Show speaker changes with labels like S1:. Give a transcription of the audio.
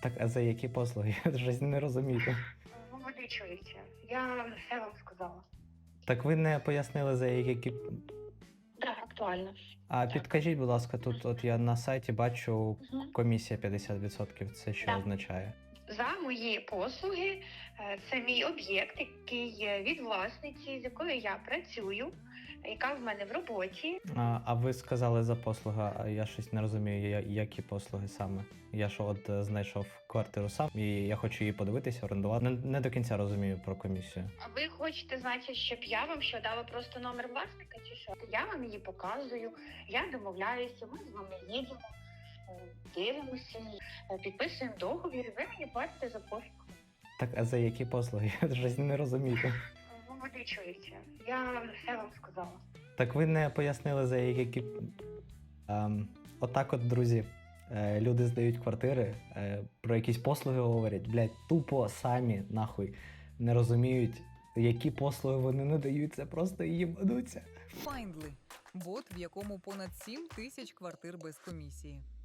S1: Так, а за які послуги? Я щось не розумію.
S2: Ну, ви не чуєте. Я все вам сказала.
S1: Так ви не пояснили, за які.
S2: Так, актуально.
S1: А
S2: Так.
S1: підкажіть, будь ласка, тут от я на сайті бачу
S2: Мгм.
S1: комісія 50%. Це що
S2: Так.
S1: означає?
S2: За мої послуги це мій об'єкт, який від власниці, з якою я працюю, яка в мене в роботі.
S1: А ви сказали за послуга, а я щось не розумію, які послуги саме. Я ж от знайшов квартиру сам, і я хочу її подивитися, орендувати. Не до кінця розумію про комісію.
S2: А ви хочете, значить, щоб я вам що дала просто номер власника чи що? Я вам її показую, я домовляюся, ми з вами їдемо, дивимося, підписуємо договір, і ви мені платите за послугу.
S1: Так, а за які послуги? Я щось не розумію.
S2: Ну, ви не чуєте. Я все вам сказала.
S1: Так ви не пояснили, за які. Отак от, друзі, люди здають квартири, про якісь послуги говорять, блядь, тупо самі нахуй не розуміють, які послуги вони надають, це просто їбануться.
S3: Findly – бот, в якому понад 7 тисяч квартир без комісії.